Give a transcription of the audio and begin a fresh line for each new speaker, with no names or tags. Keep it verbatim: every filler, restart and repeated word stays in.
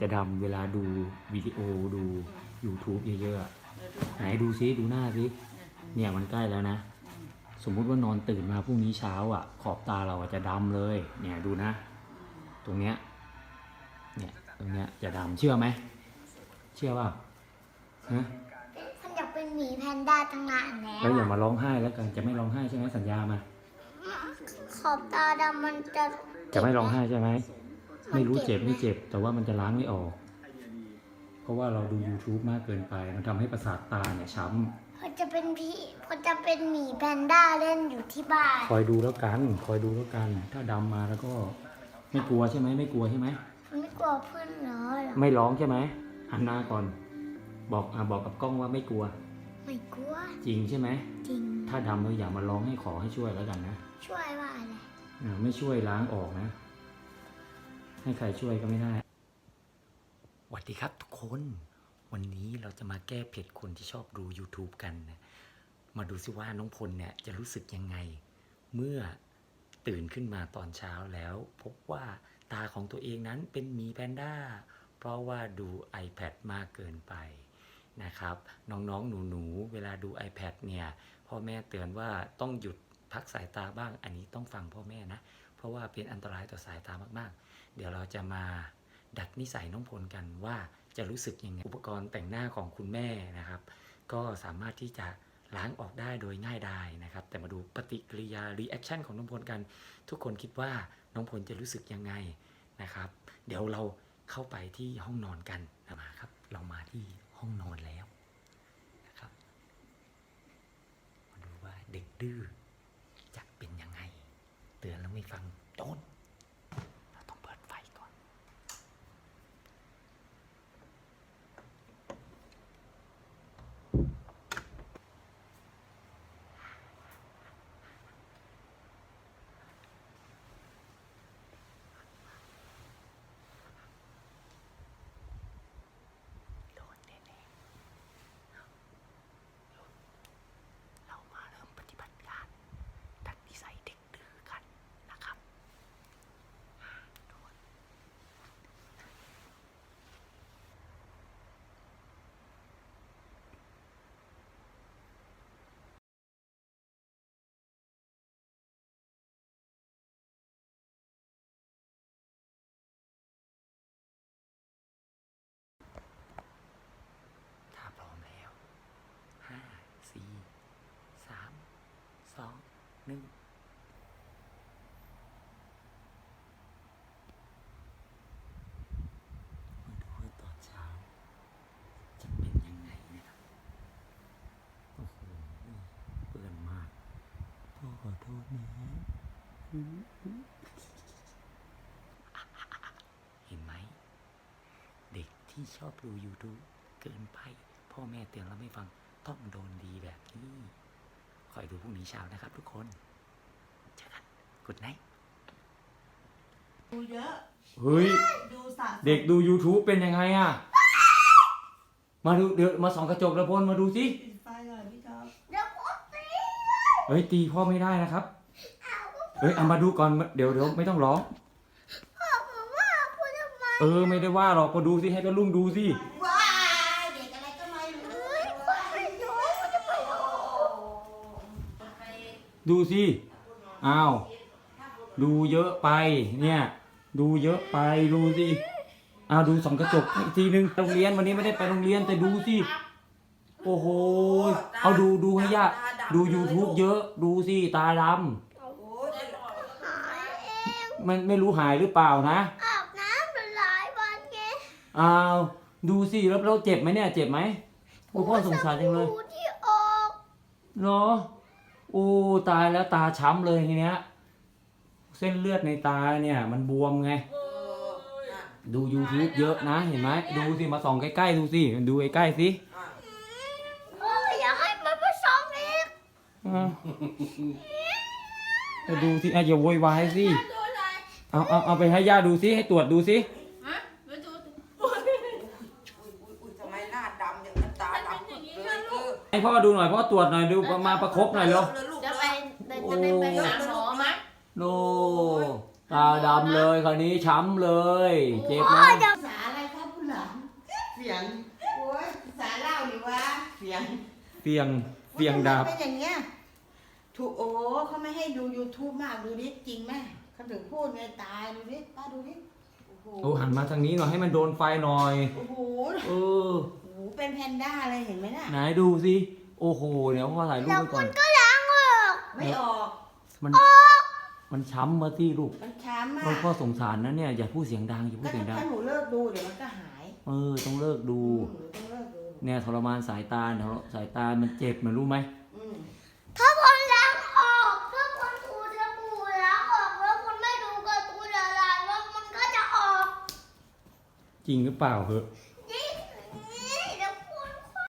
จะดำเวลาดูวิดีโอดู YouTube เยอะๆไหนดูซิดูหน้าซิเนี่ยมันใกล้แล้วนะสมมุติว่านอนตื่นมาพรุ่งนี้เช้าอ่ะขอบตาเราจะดำเลยเนี่ยดูนะตรงเนี้ยเนี่ยตรงเนี้ยจะดำเชื่อไหมเชื่อป่ะฮะ
ฉันอยากเป็นหมีแพนด้าตั้งนานแล้ว
แล้วอย่ามาร้องไห้แล้วกันจะไม่ร้องไห้ใช่ไหมสัญญามา
ขอบตาดำมันจะ
จะไม่ร้องไห้ใช่ไหมไม่รู้เจ็บไม่เจ็บแต่ว่ามันจะล้างไม่ออกเพราะว่าเราดู YouTube มากเกินไปมันทำให้ประสาทตาเนี่ยช้ำ
พอจะเป็นพี่พอจะเป็นหมีแพนด้าเล่นอยู่ที่บ้าน
คอยดูแล้วกันคอยดูแล้วกันถ้าดำมาแล้วก็ไม่กลัวใช่ไหมไม่กลัวใช่ไหม
ไม่กลัวเพื่อนเหรอ
ไม่ร้องใช่ไหมหันหน้าก่อนบอกอ่ะบอกกับกล้องว่าไม่กลัว
ไม่กลัว
จริงใช่ไหม
จริง
ถ้าดำเราอย่ามาร้องให้ขอให้ช่วยแล้วกันนะ
ช่วยว่าอะไร
อ่าไม่ช่วยล้างออกนะให้ใครช่วยก็ไม่ได้สวัสดีครับทุกคนวันนี้เราจะมาแก้เผ็ดคนที่ชอบดู YouTube กันนะมาดูซิว่าน้องพลเนี่ยจะรู้สึกยังไงเมื่อตื่นขึ้นมาตอนเช้าแล้วพบว่าตาของตัวเองนั้นเป็นหมีแพนด้าเพราะว่าดู iPad มากเกินไปนะครับน้องๆหนูๆเวลาดู iPad เนี่ยพ่อแม่เตือนว่าต้องหยุดพักสายตาบ้างอันนี้ต้องฟังพ่อแม่นะเพราะว่าเป็นอันตรายต่อสายตามากๆเดี๋ยวเราจะมาดัดนิสัยน้องพลกันว่าจะรู้สึกยังไงอุปกรณ์แต่งหน้าของคุณแม่นะครับก็สามารถที่จะล้างออกได้โดยง่ายดายนะครับแต่มาดูปฏิกิริยา รีแอคชั่น ของน้องพลกันทุกคนคิดว่าน้องพลจะรู้สึกยังไงนะครับเดี๋ยวเราเข้าไปที่ห้องนอนกันมาครับเรามาที่ห้องนอนแล้วนะครับมาดูว่าเด็กดื้อจะเป็นยังไงเตือนแล้วไม่ฟังโดนเราต้องเปิดไฟก่อนสี่สามสองหนึ่งมาดูว่าตอนเช้าจะเป็นยังไงนะครับโอ้โหเปื้อนมากพ่อขอโทษนะเห็นไหมเด็กที่ชอบดู YouTube เกินไปพ่อแม่เตือนแล้วไม่ฟังต้องโดนดีแบบนี้คอยดูพรุ่งนี้เช้านะครับทุกคนเจอกันกุดไนท์
ดูเยอะ
เฮ้ยเด็กดู YouTube เป็นยังไงอ่ะมาดูเดี๋ยวมาส่องกระจกแล้วพลมาดูสิ
ปิดไฟก่อนพี่ท็อป
เดี๋ยวพ่อตี
เฮ้ยตีพ่อไม่ได้นะครับเฮ้ยเอามาดูก่อนเดี๋ยวเดี๋ยวไม่ต้องร้อง
พ่อบอกว่าพูดทำไม
เออไม่ได้ว่าหรอกก็ดูสิให้ก็ลุงดูสิ
ว้ายเด็กอะไรก็ไม่รู้
เฮ้ยพ่อไม่รู้จะไปดู
ดูสิอ้าวดูเยอะไปเนี่ยดูเยอะไปดูสิอ้าวดูส่องกระจกอีกทีนึงโรงเรียนวันนี้ไม่ได้ไปโรงเรียนแต่ดูสิโอ้โหเอาดูดูให้ยากดู YouTube เยอะดูสิตาดำมันไม่รู้หายหรือเปล่านะ
อาบน้ำเป็นหลายวันไง
อ้าวดูสิแล้วเราเจ็บไหมเนี่ยเจ็บไหมโอ้พ่อสงสารจังเลย
ที่ออก
เหรอโอ้ตายแล้วตาช้ำเลยทีเนี้ยเส้นเลือดในตาเนี่ยมันบวมไงดู YouTube เยอะนะเห็นไหมดูสิมาส่องใกล้ๆดูสิดูใกล้ๆสิ
โอ้ยอยากให้มันมาส่องอีก
จะดูสิอย่าโวยวายสิเอาเอาเอาไปให้ย่าดูสิให้ตรวจดูสิให้พ่อดูหน่อยพ่อตรวจหน่อยดูมาประคบหน่อยเร็ว
จะไปจะไปไปหาหมอมั้ย
โนตาดำเลยคราวนี้ช้ำเลยเจ็บไหม
ภาษาอะไรครับ
เฟียงเฟียงดาบ
เป็นอย่างเงี้ยถูกโอ้เขาไม่ให้ดู YouTube มากดูดิจริงไหมเขาถึงพูดไงตายดูดิป้าดูดิโอ้โห
โอ้หันมาทางนี้หน่อยให้มันโดนไฟหน่อย
โอ้โห
เออ
โอ้โหเป็นแพนด้าเลยเห็นไหมน่ะ
ไหนดูสิโอ้โหเดี๋ยวพ่อถ่ายรูป
แล้ว
ไว้ก่
คุ
อน
ณก็ล้างออก
ไม่ออก
มันมันช้ำมาที่ลูก
มันช้ำอ่ะ
พ่อพ่อสงสารนะเนี่ยอย่าพูดเสียงดังอย่าพู
ก็
ดเสียงดัง
ถ้าหนูเลิกดูเดี๋ยวมันก็หาย
เออต้องเลิกดู
อืมหนูต้องเลิกดู
เนี่ยทรมานสายตาเนี่ยสายตามันเจ็บนะรู้ไหม
อืม
ถ้าคนล้างออกถ้าคนถูสบู่ล้างออกแล้วคนไม่ดูการ์ตูนอะไรแล้วมันก็จะออก
จริงหรือเปล่าเหอะ
จ